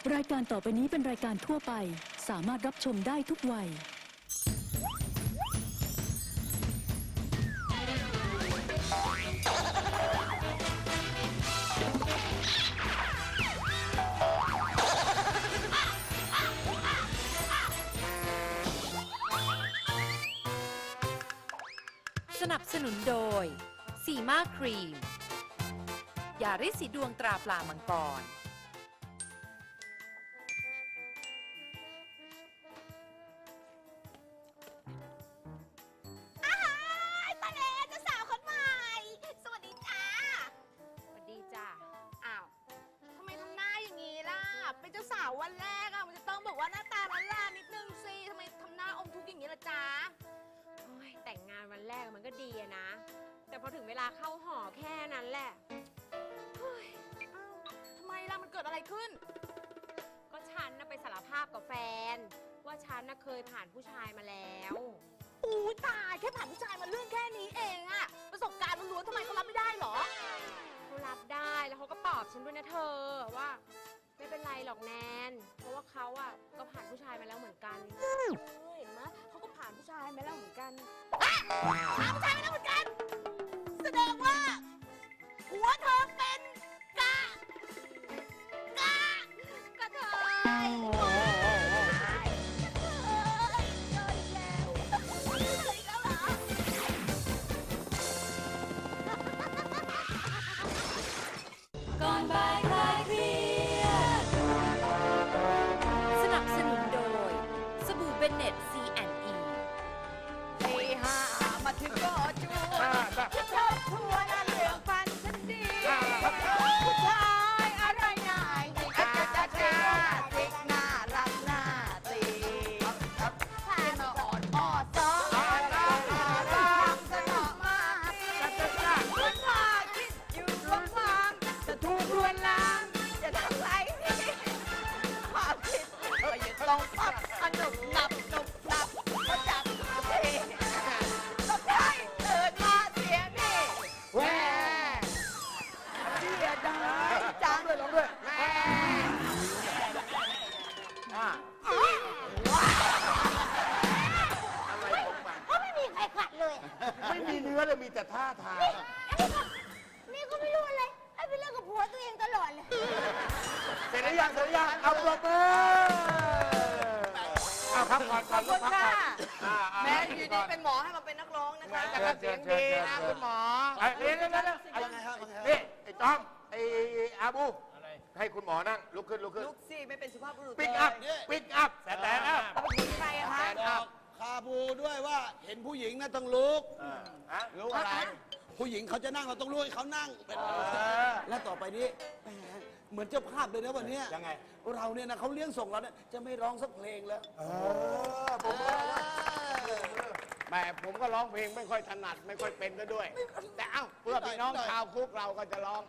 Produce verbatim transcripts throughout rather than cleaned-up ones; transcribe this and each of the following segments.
รายการต่อไปนี้เป็นรายการทั่วไปสามารถรับชมได้ทุกวัยสนับสนุนโดยสีมาครีมยาริดสีดวงตราปลามังกรตาเอ๋เจ้าสาวคนใหม่สวัสดีจ้าสวัสดีจ้าอ้าวทำไมทำหน้าอย่างนี้ล่ะเป็นเจ้าสาววันแรกอะมันจะต้องบอกว่าหน้าตาละล่านิดนึงสิทำไมทำหน้าอมทุกข์อย่างนี้ล่ะจ้าโอ้ยแต่งงานวันแรกมันก็ดีอะนะแต่พอถึงเวลาเข้าหอแค่นั้นแหละเฮ้ยอ้าวทำไมล่ะมันเกิดอะไรขึ้นก็ฉันน่ะไปสารภาพกับแฟนว่าฉันน่ะเคยผ่านผู้ชายมาแล้วอู้ตายแค่ผ่านผู้ชายมาเรื่องแค่นี้เองอะประสบการณ์ล้วนๆทำไมเขารับไม่ได้หรอเขารับได้แล้วเขาก็ปลอบฉันด้วยนะเธอว่าไม่เป็นไรหรอกแนนเพราะว่าเขาอะก็ผ่านผู้ชายมาแล้วเหมือนกันเห็นไหมเขาก็ผ่านผู้ชายมาแล้วเหมือนกันผ่านผู้ชายมาแล้วเหมือนกันแสดงว่าหัวเธอเป็นกะกะกะเทยก่อนบ่ายคลายเครียดสนับสนุนโดยสบู่เบนเน็ต ซี แอนด์ อีตีห้ามาถึงก็จูชอบทัวร์นั่นเรื่องฟันฉันดีผู้ชายอะไรนายอาจจะจ้าติกหน้ารักหน้าตีผ่านมาอ่อนอ่อซอฟังสนอมาคุณพ่อคิดอยู่ว่าความจะถูกลวนลามจะทำไรความคิดเธออย่าต้องปับสนุกหนับหนุกหนับมาจับทีก็ได้เกิดมาเสียนี่แหวเสียดายจังเลยลองด้วยแหวก็ไม่มีใครขัดเลยไม่มีเนื้อเลยมีแต่ท่าทางนี่ก็ไม่รู้อะไรให้ไปเล่นกับผัวตัวเองตลอดเลยเสร็จหรือยังเสร็จหรือยังเอาปรบมือเอาพักก่อนขอบคุณค่ะแม่แม้อยู่ดีเป็นหมอให้มาเป็นนักร้องนะคะแต่ก็เสียงดีนะคุณหมอเรียนแล้วนะนี่ไอ้ต้อมไอ้อาบูให้คุณหมอนั่งลุกขึ้นลุกขึ้นลูกซี่ไม่เป็นสุภาพบุรุษปิกอัพปิกอัพแสนอัพเอาไปยิงใครอะคะบอกคาบูด้วยว่าเห็นผู้หญิงนะต้องลุกลุกอะไร ผู้หญิงเขาจะนั่งเราต้องลุกให้เขานั่งเป็นและต่อไปนี้แหมเหมือนเจ้าภาพเลยนะวันนี้ยังไงเราเนี่ยนะเขาเลี้ยงส่งเราเนี่ยจะไม่ร้องสักเพลงแล้วแหมผมก็ร้องเพลงไม่ค่อยถนัดไม่ค่อยเป็นซะด้วย แต่เอ้าเพื่อพี่น้องชาวคุกเราก็จะร้อง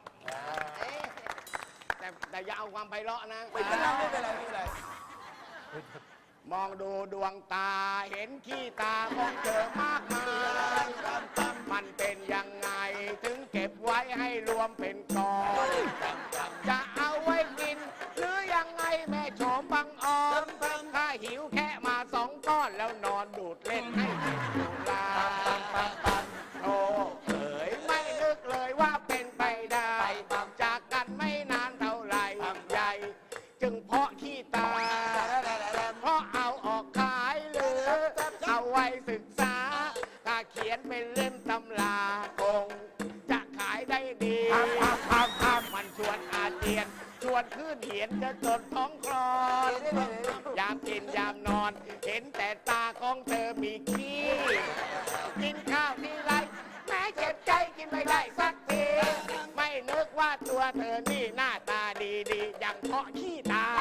แต่แต่อย่าเอาความไพเราะนะไม่เป็นไรไม่เป็นไรไม่เป็นไรมองดูดวงตาเห็นขี้ตามองเจอมากมายมันเป็นยังไงถึงเก็บไว้ให้รวมเป็นกองจะเอาไว้กินหรือยังไงแม่โฉมบังออนถ้าหิวแค่มาสองก้อนแล้วนอนดูดเล่นให้กินสุราโอ้เอ๋ยไม่นึกเลยว่าเป็นไปได้จากกันไม่นานเท่าไหร่ใหญ่จึงเพาะขี้ตาเพราะเอาออกขายหรือเอาไว้ศึกษาถ้าเขียนเป็นเล่มตำราคงจะขายได้ดีมันชวนอาเจียนชวนขึ้นเหียนจะจนท้องคลอนยามกินยามนอนเห็นแต่ตาของเธอมีขี้กินข้าวทีไรแม้เจ็บใจกินไม่ได้สักทีไม่นึกว่าตัวเธอนี่หน้าตาดีๆอย่างเพาะขี้ตา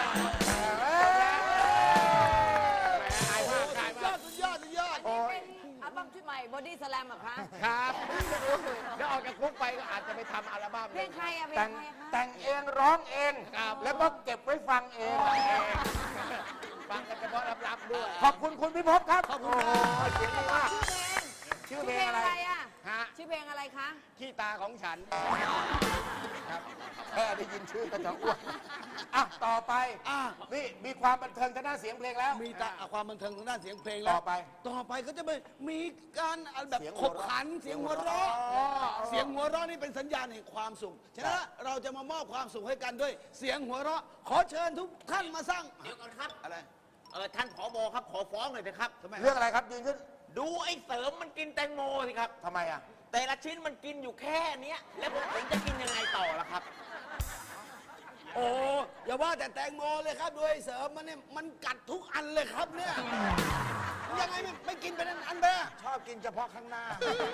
สุดยอดสุดยอดเป็นอัลบั้มชุดใหม่บอดี้สแลมอะคะครับแล้วออกจากคุกไปก็อาจจะไปทำอัลบั้มเพลงใครอะเพลแต่งงใครคะแต่งเองร้องเองแล้วก็เก็บไว้ฟังเองฟังกันเฉพาะลับๆด้วยขอบคุณคุณพิภพครับขอบคุณครับเสียงดีมากชื่อเพลงอะไรอะฮะชื่อเพลงอะไรคะขี้ตาของฉันครับแค่ได้ยินชื่อก็จะอ้วนอ่ะต่อไปอ่ะนี่มีความบันเทิงทางด้านเสียงเพลงแล้วมีแต่ความบันเทิงทางด้านเสียงเพลงแล้วต่อไปต่อไปก็จะไปมีการแบบเสียงขหัวบเราะขันเสียงหัวเราะเสียงหัวเราะนี่เป็นสัญญาณแห่งความสุขฉะนั้นเราจะมามอบความสุขให้กันด้วย เสียงหัวเราะขอเชิญทุกท่านมาสร้างเดี๋ยวก่อนครับอะไรเออท่านผบครับขอฟ้องหน่อยนะครับทำไมเรื่องอะไรครับยืนขึ้นดูไอ้เสริมมันกินแตงโมสิครับทำไมอ่ะแต่ละชิ้นมันกินอยู่แค่เนี้ยแล้วผมผมจะกินยังไงต่อล่ะครับโอ้อย่าว่าแต่แตงโมเลยครับด้วยเสริมมันเนี่ยมันกัดทุกอันเลยครับเนี่ยยังไงไม่ไม่กินเป็นอันๆไปอะชอบกินเฉพาะข้างหน้า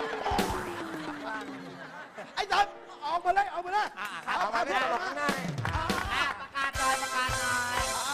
ไอ้เสริมออกมาเลยออกมาเลยเอามาที่ตลกข้างหน้านี่ประกาศหน่อยประกาศหน่อย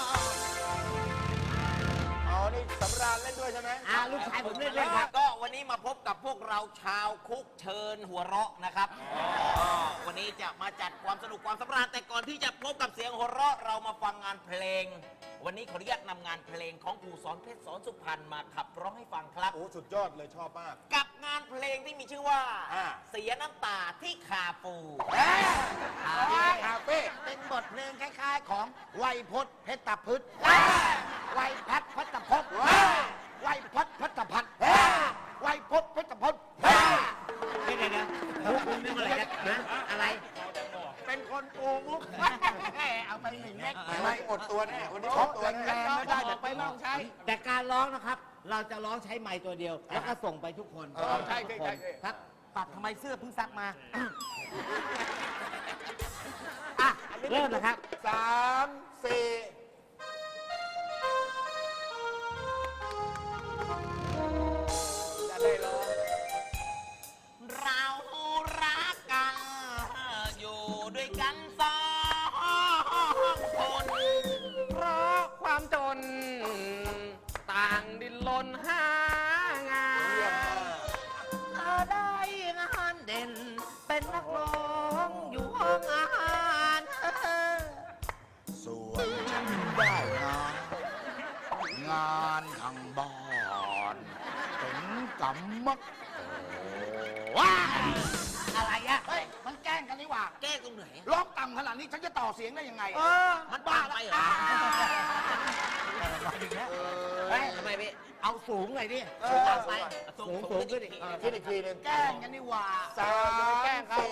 อ๋อนี่สำราญเล่นด้วยใช่ไหมอ่าลูกชายผมเล่นด้วยครับก็วันนี้มาพบกับพวกเราชาวคุกเชิญหัวเราะนะครับก็วันนี้จะมาจัดความสนุกความสำราญแต่ก่อนที่จะพบกับเสียงหัวเราะเรามาฟังงานเพลง วันนี้ขออนุญาตนำงานเพลงของครูสอนเพชรสอนสุพรรณมาขับร้องให้ฟังครับโอ้สุดยอดเลยชอบมากกับงานเพลงที่มีชื่อว่าอ่าเสียน้ำตาที่คาปูคาเฟ่เป็นบทเพลงคล้ายๆของไวยพจน์เพชรตะพืชไวยพัฒน์พัฒพจน์ไวยพจน์พัฒพัฒน์ไวยพจน์เพชรพจน์นี่ไงเนี่ยมุกนึกอะไรกันนะอะไร เป็นคนปูมุกเอาไปหนึ่งเม็ดไม่อดตัวแน่วันนี้อดตัวแน่ไม่ได้แต่ไปลองใช้ แต่การร้องนะครับ เราจะร้องใช้ไม้ตัวเดียว แล้วก็ส่งไปทุกคนเออใช่ใช่ใช่ใช่ครับปัดทำไมเสื้อเพิ่งซักมา อ่ะเริ่มนะครับสามสี่จะได้ร้องเรารักกัน อยู่ด้วยกันสองคน เพราะความจน ต่างดิ้นรนหางาเยี่ยมนมากเธอได้งานเด่น เป็นนักร้องอยู่ห้องอาหารส่วนฉันได้งานงานทางบ้านเป็นกรรมกรว้าอะไรอะเฮ้ยมันแกล้งกันนี่หว่าแก้ตรงไหนร้องต่ำขนาดนี้ฉันจะต่อเสียงได้ยังไงเออ มันบ้าไปเหรอเฮ้ยทำไมพี่เอาสูงหน่อยดิสูงไปสูงสูงขึ้นอีกคิดอีกทีหนึงแกล้งกันนี่หว่าสามสี่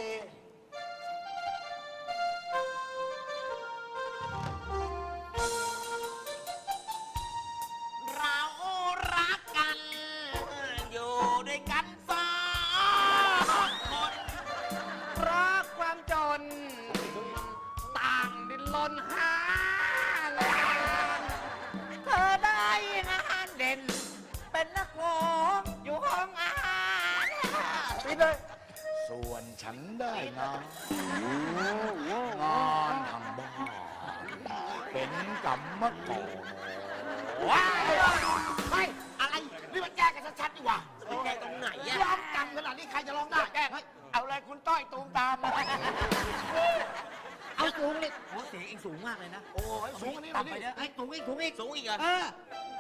เรารักกัน อยู่ด้วยกันสองคน เพราะความจน ต่างดิ้นรนหางานเธอได้งานเด่น เป็นนักร้องอยู่ห้องอาหารปิดเลยส่วนฉันได้งานงานทางบ้านเป็นกรรมกรว้าวเฮ้ยอะไร นี่มันแก้กันชัดๆดีกว่ามันแก้ตรงไหนอะร้องต่ำขนาดนี้ใครจะร้องได้แก้เอาเลยคุณต้อยตูมตามมาเอาสูงเลยโอ้เสียงเองสูงมากเลยนะโอ้ยสูงอันนี้หน่ต่ำอยไปดิเยอะไอ้ยสูงอีกสูงอีกสูงอีกเหรอเออ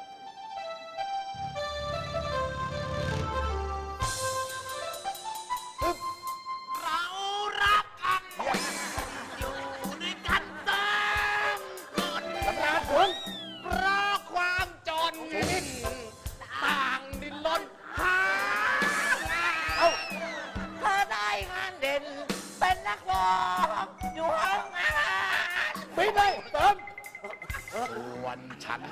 เรารักกัน อยู่ด้วยกันสามคนสำราญสูงเพราะความจน ต่างดิ้นรนหางานเธอได้งานเด่น เป็นนักร้องอยู่ห้องอาหารปิดเลยเติมส่วนฉัน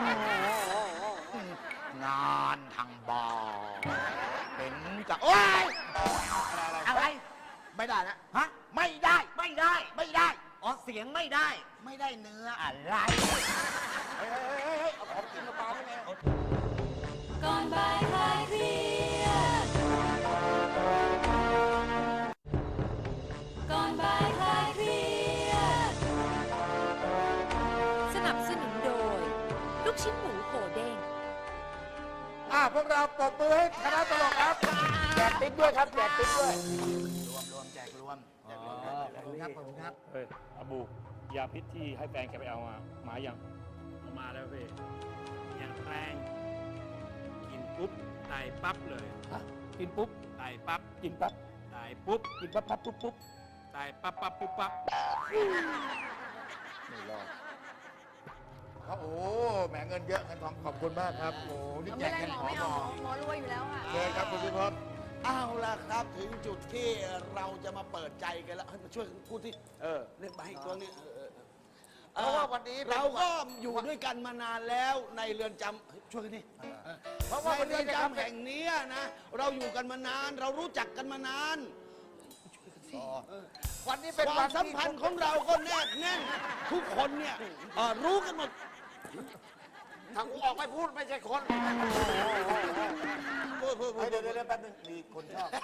งานทางบ้านเป็นกับโอ้ยอะไรไม่ได้นะฮะไม่ได้ไม่ได้ไม่ได้อ๋อ เสียงไม่ได้ไม่ได้เนื้ออะไรเฮ้ยเฮ้ยเฮ้ยเฮ้ยเอาของกินมาปาได้ไงก่อนบ่ายคลายเครียดก่อนบ่ายคลายเครียดสนับสนุนโดย ลูกชิ้นหมูโหเด้งอ่ะพวกเราปรบมือให้คณะตลกครับแจกติ๊บด้วยครับแจกติ๊บด้วยรวมรวมแจกรวมแจกรวมขอบคุณครับ ขอบคุณครับเฮ้ยอาบู ยาพิษที่ให้แฟนแกไปเอามา มายังเอามาแล้วพี่อย่างแรง กินปุ๊บตายปั๊บเลยฮะกินปุ๊บตายปั๊บกินปั๊บตายปุ๊บกินปั๊บปั๊บปุ๊บปุ๊บตายปั๊บปั๊บปุ๊บปั๊บไม่รอดเขาโอ้แหมเงินเยอะเงินทองขอบคุณมากครับโอ้นี่แจไม่กได้เงินหมอขอไม่หมเอาอหมอรวยอยู่แล้วค่ะเชิญครับคุณพิภพเอาละครับถึงจุดที่เราจะมาเปิดใจกันแล้วให้มาช่วยพูดที่เออเล่นไปอีกตัวนี้เออเออเพราะว่าวันนี้เป็นเราก็อยู่ด้วยกันมานานแล้วในเรือนจำเฮ้ยช่วยกันดิเพราะว่าในวันเรืนี้อนนะครับจำแห่งนี้นะเราอยู่กันมานาน เรารู้จักกันมานานอ๋อวันนี้เป็นควัวาน มสัมที่พันธ์ของเราก็แนบแน่นทุกคนเนี่ยเอ่อรู้กันหมดถ้ากูออกไม่พูดไม่ใช่คนพูดพูดพูดเดี๋ยวเดี๋ยวแป๊บนึงมีคนชอบ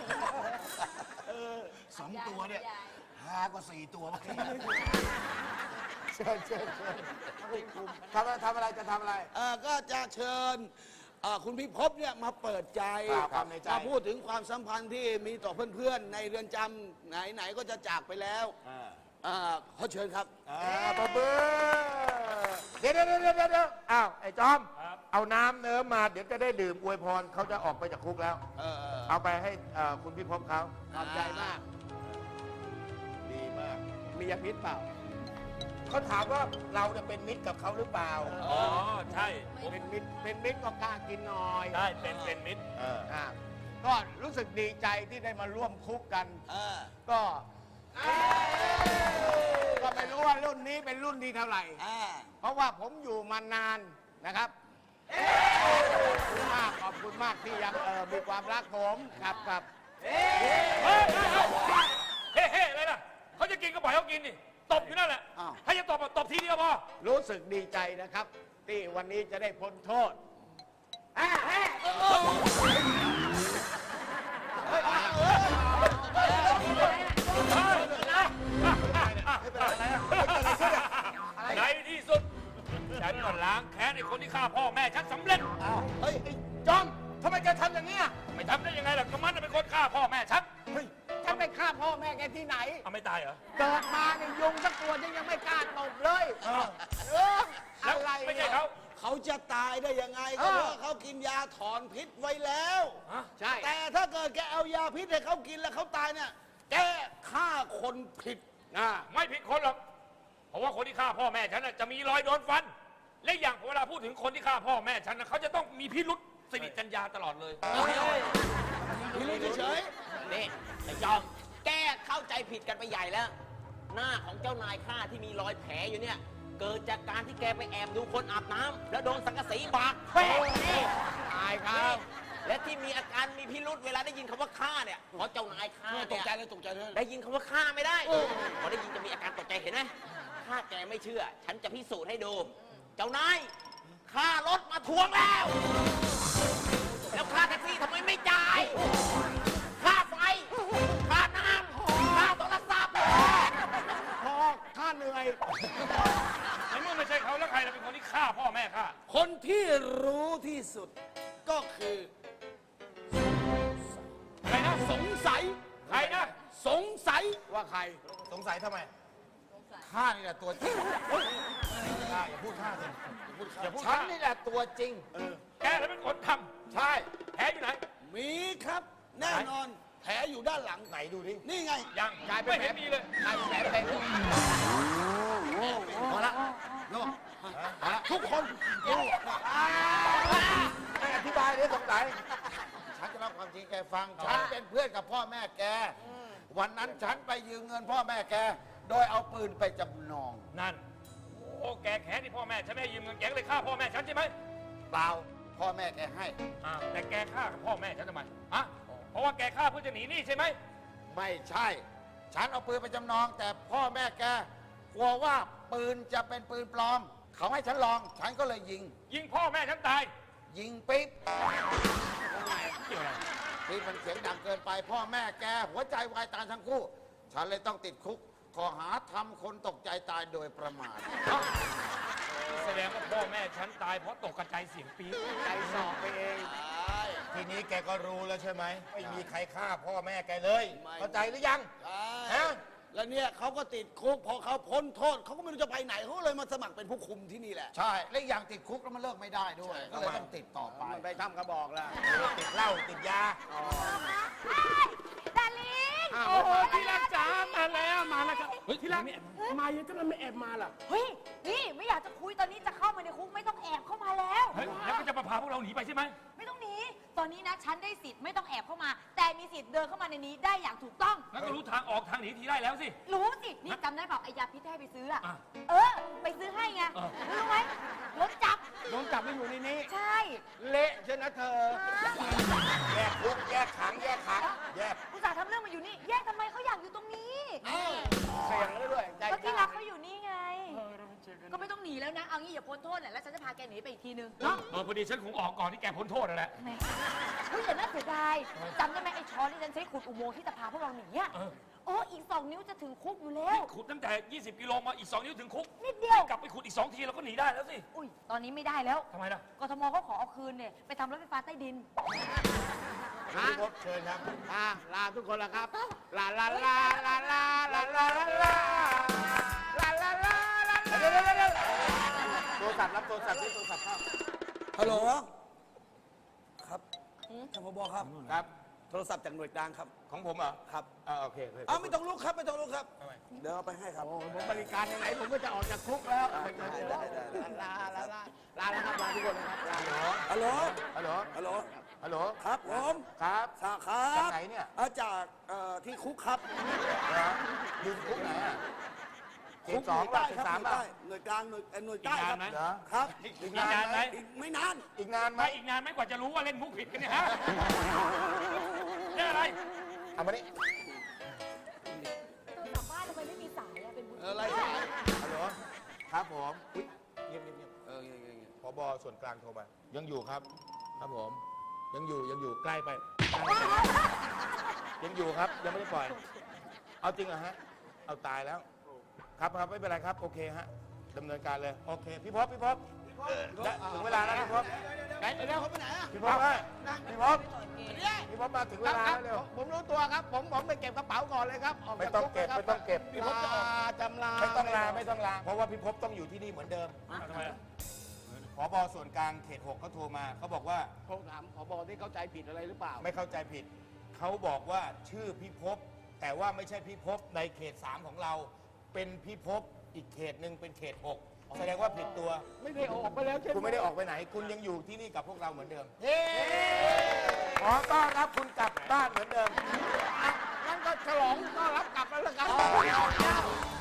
สองตัวเนี่ยหากว่าสี่ตัวเมื่อกี้เชิญเชิญเชิญทำอะไรทำอะไรจะทำอะไรเอ่อก็จะเชิญเอ่อคุณพิภพเนี่ยมาเปิดใจครับความในใจมาพูดถึงความสัมพันธ์ที่มีต่อเพื่อนๆในเรือนจำไหนๆก็จะจากไปแล้วเอ่อขอเชิญครับอ่าปะเบ้อเดี๋ยวเดี๋ยวเดี๋ยวเดี๋ยวเดี๋ยวอ้าวไอ้จอม เอาน้ำเนิ้มมาเดี๋ยวจะได้ดื่มอวยพรเขาจะออกไปจากคุกแล้วเออเออเอาไปให้เอ่อคุณพิภพเขาขอบใจมากดีมากมียาพิษเปล่าเขาถามว่าเราจะเป็นมิตรกับเขาหรือเปล่าอ๋อ ใช่ผมเป็นมิตรเป็นมิตรก็กล้ากินหน่อยใช่เป็นเป็นมิตรเอออ่าก็รู้สึกดีใจที่ได้มาร่วมคุกกันก็ก็ไม่รู้ว่ารุ่นนี้เป็นรุ่นที่เท่าไหร่เพราะว่าผมอยู่มานานนะครับมากขอบคุณมากที่ยังเออมีความรักผมครับครับเฮ้ยเฮ้ยเฮ้ยเฮ้ยเฮ้ยอะไรล่ะเขาจะกินก็ปล่อยเขากินนี่ตบอยู่นั่นแหละอ้าวให้จะตบอะตบทีเดียวพอรู้สึกดีใจนะครับ ที่วันนี้จะได้พ้นโทษในที่สุด ฉันก็ล้างแค้นไอ้คนที่ฆ่าพ่อแม่ฉันสำเร็จเฮ้ยไอ้จอมทำไมแกทำอย่างนี้ยไม่ทำได้ยังไงล่ะก็มันน่ะเป็นคนฆ่าพ่อแม่ฉันเฮ้ยฉันไปฆ่าพ่อแม่แกที่ไหนเอาไม่ตายเหรอเกิดมาเนี่ยยุงสักตัวฉันยังไม่กล้าตบเลยเออเออแล้วอะไรไม่ใช่นี่ยเขาเขาจะตายได้ยังไงก็เพราะเขากินยาถอนพิษไว้แล้วฮะใช่ แต่ถ้าเกิดแกเอายาพิษให้เขากินแล้วเขาตายเนี่ย แกฆ่าคนผิดนะไม่ผิดคนหรอก เพราะว่าคนที่ฆ่าพ่อแม่ฉันน่ะจะมีรอยโดนฟัน และอย่างเวลาพูดถึงคนที่ฆ่าพ่อแม่ฉันนะเขาจะต้องมีพิรุษสิริจัญญาตลอดเลยพี่รู้เฉยนี่ไอ้จอม แกเข้าใจผิดกันไปใหญ่แล้ว หน้าของเจ้านายข้าที่มีรอยแผลอยู่เนี่ย เกิดจากการที่แกไปแอบดูคนอาบน้ำแล้วโดนสังกะสีบาดแผลนี่ๆตายครับและที่มีอาการมีพิรุษเวลาได้ยินคำว่าฆ่าเนี่ยเพราะเจ้านายข้าตเนี่กยใจเลยตกใจเลยได้ยินคำว่าฆ่าไม่ได้พอได้ยินจะมีอาการตกใจเห็นไหมถ้าแกไม่เชื่อ ฉันจะพิสูจน์ให้ดู เจ้านายค่ารถมาทวงแล้ว แล้วค่าแท็กซี่ทำไมไม่จ่าย ค่าไฟ ค่าน้ำ ค่าโทรศัพท์พอข้าเหนื่อยในเมื่อไม่ใช่เขาแล้วใครล่ะเป็นคนที่ฆ่าพ่อแม่ข้าคนที่รู้ที่สุดก็คือใครนะสงสัยใครนะสงสัยว่าใครสงสัยทำไมข้านี่แหละตัวจริงข้าอย่าพูดข้าสิอย่าพูดฉันฆ่านี่แหละตัวจริงแกแล้วเป็นคนทใช่ำแผลอยู่ไหนมีครับ แน่นอนแผลอยู่ด้านหลังไหนดูดินี่ไงยังกลายเป็นไม่แผลเห็นมีเลยกลายเป็นแผลเป็นพอละโลกพอละทุกคนดูไม่อธิบายเลยสงสัยฉันจะเล่าความจริงแกฟัง ฉันเป็นเพื่อนกับพ่อแม่แก วันนั้นฉันไปยืมเงินพ่อแม่แก โดยเอาปืนไปจำนองนั่น โอ้แกแค้นที่พ่อแม่ฉันไม่ให้ยืมเงินแกก็เลยฆ่าพ่อแม่ฉันใช่ไหมเปล่า พ่อแม่แกให้อ่าแต่แกฆ่ากับพ่อแม่ฉันทำไมฮะเพราะว่าแกฆ่าเพื่อจะหนีหนี้ใช่ไหมไม่ใช่ ฉันเอาปืนไปจำนอง แต่พ่อแม่แกกลัวว่าปืนจะเป็นปืนปลอม เขาให้ฉันลอง ฉันก็เลยยิงยิงพ่อแม่ฉันตายยิงปิ๊บเกี่ยวอะไรปิ๊บมันเสียงดังเกินไป พ่อแม่แกหัวใจวายตายทั้งคู่ ฉันเลยต้องติดคุกข้อหาทำคนตกใจตายโดยประมาทแสดงว่าพ่อแม่ฉันตายเพราะตกกระจายเสียงปี๊ดใจสอบไปเองทีนี้แกก็รู้แล้วใช่ไหมไม่มีใครฆ่าพ่อแม่แกเลยไม่เข้าใจหรือยังใช่ฮะแล้วเนี่ยเขาก็ติดคุกพอเขาพ้นโทษเขาก็ไม่รู้จะไปไหนเขาเลยมาสมัครเป็นผู้คุมที่นี่แหละใช่ และอีกอย่างติดคุกแล้วมันเลิกไม่ได้ด้วย ก็เลยต้องติดต่อไปมันไปทำกระบอกแล้วติดเหล้าติดยาดาลิงโอ้โหที่รักจ๋ามาแล้วมาแล้วครับเฮ้ยที่รักมายังจะไม่แอบมาล่ะเฮ้ย นี่ไม่อยากจะคุยตอนนี้จะเข้ามาในคุกไม่ต้องแอบเข้ามาแล้วเฮ้ยแล้วก็จะมาพาพวกเราหนีไปใช่ไหมไม่ต้องหนี ตอนนี้นะฉันได้สิทธิ์ไม่ต้องแอบเข้ามา แต่มีสิทธิ์เดินเข้ามาในนี้ได้อย่างถูกต้องแล้วก็รู้ทางออกทางหนีทีได้แล้วสิรู้สิ นี่จำได้เปล่าไอ้ยาพิษที่ให้ไปซื้ออะอ่ะเออ ไปซื้อให้ไงเออรู้ไหมรถจับโดนจับไม่อยู่ในนี้ใช่เละใช่นะเธอแยกคุกแยกขังแยกขังแยกอุตส่าห์ทำเรื่องมาอยู่นี่ แยกทำไมเขาอยากอยู่ตรงนี้เสียงแล้วด้วยใจก็ที่กรัล้ากเขาอยู่นี่ไง ก็ไม่ต้องหนีแล้วนะ เอางี้อย่าพ้นโทษแหละแล้วฉันจะพาแกหนีไปอีกทีนึงเออพอดีฉันคงออกก่อนที่แกพ้นโทษนั่นแหละแหมเฮ้ยอย่าน่าเสียดายจำได้ไหมไอ้ช้อนที่ฉันใช้ขุดอุโมงค์ที่จะพาพวกเราหนีอะเออโอ้อีกสองนิ้วจะถึงคุกอยู่แล้วขุดตั้งแต่ ยี่สิบ กิโลมาอีก สอง นิ้วถึงคุกนิดเดียวกลับไปขุดอีก สอง ทีเราก็หนีได้แล้วสิอุ้ยตอนนี้ไม่ได้แล้วทำไมล่ะกทมเขาขอเอาคืนเนี่ยไปทำรถไฟฟ้าใต้ดินฮะพบเชิญครับอ่ะลาทุกคนแล้วครับ ลาลาลาลาลาลาลาลาลาลาลาลาลาเดี๋ยวเดี๋ยวเดี๋ยวโทรศัพท์รับโทรศัพท์ที่โทรศัพท์เข้าฮัลโหล ครับท่านผบครับครับโทรศัพท์จากหน่วยกลางครับของผมเหรอครับอ่าโอเคโอเคอ้าวไม่ต้องลุกครับ ไม่ต้องลุกครับ เดี๋ยวเอาไปให้ครับโอ้ผมบริการยังไงผมก็จะออกจากคุกแล้วได้ได้ได้ได้ลาลาลาลาแล้วครับลาทุกคนนะครับลาฮัลโหลฮัลโหลฮัลโหลฮัลโหลครับผมครับสาครัจากบไหนเนี่ยอ่าจากเอ่อที่คุกครับเหรออยู่คุกไหนอ่ะเขคุตกสองหน่ป่ะวยเขใต้ตครับสามหน่วยป่ะใต้หน่วยกลางหน่วยเอ่อหน่วยใต้อีกคนานรับไหมเหรอครับอีกนานไหมอีกไม่นานอีกนานไหมไม่อีกนานไหมกว่าจะรู้ว่าเล่นมุกผิดกันเนี่ยฮะเรื่องอะไรเอามานี่กลับบ้านทำไมไม่มีสายอะเป็นบุญเอออะไรสายฮัลโหลครับผมอุ๊ยเงียบเงียบเงียบเออเงี้ยเงี้ยเงี้ยผบส่วนกลางโทรมายังอยู่ครับ ครับผม ยังอยู่ยังอยู่ใกล้ไปยังอยู่ครับยังไม่ได้ปล่อย เอาจริงเหรอฮะเอาตายแล้ว ครับครับไม่เป็นไรครับโอเคฮะดำเนินการเลยโอเคพี่พบพี่พบและถึงเวลาแล้วพี่พบไหนเดี๋ยวเขาไปไหนอ่ะพี่พบฮะพี่พบพี่พบมาถึงเวลาครับแล้วเร็วผมรู้ตัวครับ ผมผมไปเก็บกระเป๋าก่อนเลยครับกไม่จากต้องคุเก็บครับไม่ต้องเก็บพี่พบจะออกจำลาไม่ต้องลาไม่ต้องลาเพราะว่าพี่พบต้องอยู่ที่นี่เหมือนเดิมทำไมล่ะผบส่วนกลางเขตหกเขาโทรมาเขาบอกว่าผมถามผบที่เข้าใจผิดอะไรหรือเปล่าไม่เข้าใจผิด เขาบอกว่าชื่อพิภพแต่ว่าไม่ใช่พิภพในเขตสามของเรา เป็นพิภพอีกเขตหนึ่งเป็นเขตหกแสดงว่าผิดตัวไม่ได้ออกไปแล้วใช่ไหมคุณไม่ได้ออกไปไหน คุณยังอยู่ที่นี่กับพวกเราเหมือนเดิมขอต้อนรับคุณกลับบ้านเหมือนเดิมงั้นก็ฉลองต้อนรับกลับแล้วละกัน